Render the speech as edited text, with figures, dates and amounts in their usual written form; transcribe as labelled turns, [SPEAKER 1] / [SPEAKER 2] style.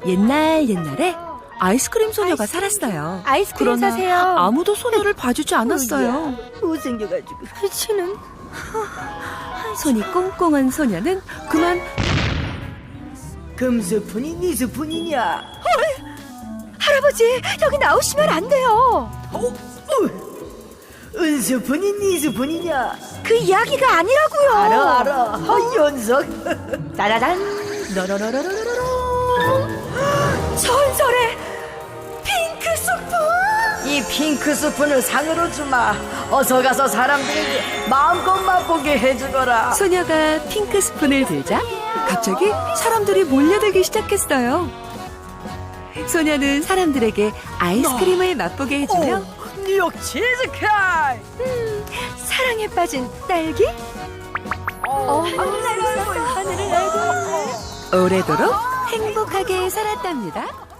[SPEAKER 1] 옛날에 아이스크림 소녀가 살았어요.
[SPEAKER 2] 아이스크림
[SPEAKER 1] 그러나
[SPEAKER 2] 사세요.
[SPEAKER 1] 아무도 소녀를 봐주지 않았어요.
[SPEAKER 2] 못생겨가지고 치는.
[SPEAKER 1] 손이 꽁꽁한 소녀는 그만
[SPEAKER 3] 금스푼이 네 스푼이냐?
[SPEAKER 2] 할아버지, 여기 나오시면 안 돼요.
[SPEAKER 3] 은스푼이 네 스푼이냐?
[SPEAKER 2] 그 이야기가 아니라고요.
[SPEAKER 3] 알아. 연석.
[SPEAKER 2] 짜자잔. 너로로로로로로. 전설의 핑크 스푼.
[SPEAKER 3] 이 핑크 스푼을 상으로 주마. 어서 가서 사람들에게 마음껏 맛보게 해주거라.
[SPEAKER 1] 소녀가 핑크 스푼을 들자 갑자기 사람들이 몰려들기 시작했어요. 소녀는 사람들에게 아이스크림을 맛보게 해주며
[SPEAKER 3] 뉴욕 치즈케이크.
[SPEAKER 2] 사랑에 빠진 딸기. 하늘을 날고
[SPEAKER 1] 오래도록 행복하게 살았답니다.